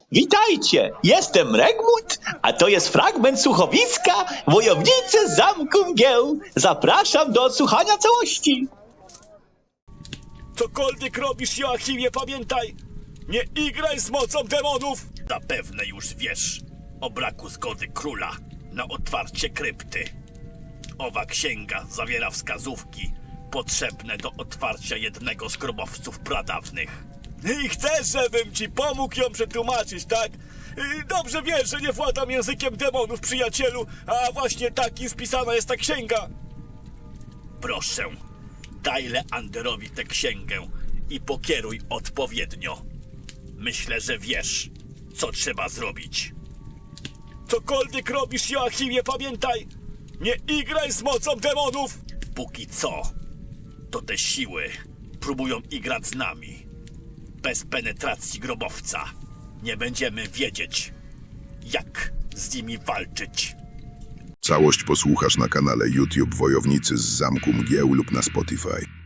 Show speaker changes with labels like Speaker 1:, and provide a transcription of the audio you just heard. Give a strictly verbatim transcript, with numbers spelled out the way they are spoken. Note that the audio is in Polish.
Speaker 1: Witajcie, jestem Regmut, a to jest fragment słuchowiska Wojownicy z Zamku Mgieł. Zapraszam do odsłuchania całości.
Speaker 2: Cokolwiek robisz, Joachimie, pamiętaj, nie igraj z mocą demonów! Zapewne już wiesz o braku zgody króla na otwarcie krypty. Owa księga zawiera wskazówki potrzebne do otwarcia jednego z grobowców pradawnych. I chcesz, żebym ci pomógł ją przetłumaczyć, tak? Dobrze wiesz, że nie władam językiem demonów, przyjacielu, a właśnie taki spisana jest ta księga. Proszę, daj Leanderowi tę księgę i pokieruj odpowiednio. Myślę, że wiesz, co trzeba zrobić. Cokolwiek robisz, Joachimie, pamiętaj, nie igraj z mocą demonów! Póki co, to te siły próbują igrać z nami. Bez penetracji grobowca nie będziemy wiedzieć, jak z nimi walczyć.
Speaker 3: Całość posłuchasz na kanale YouTube Wojownicy z Zamku Mgieł lub na Spotify.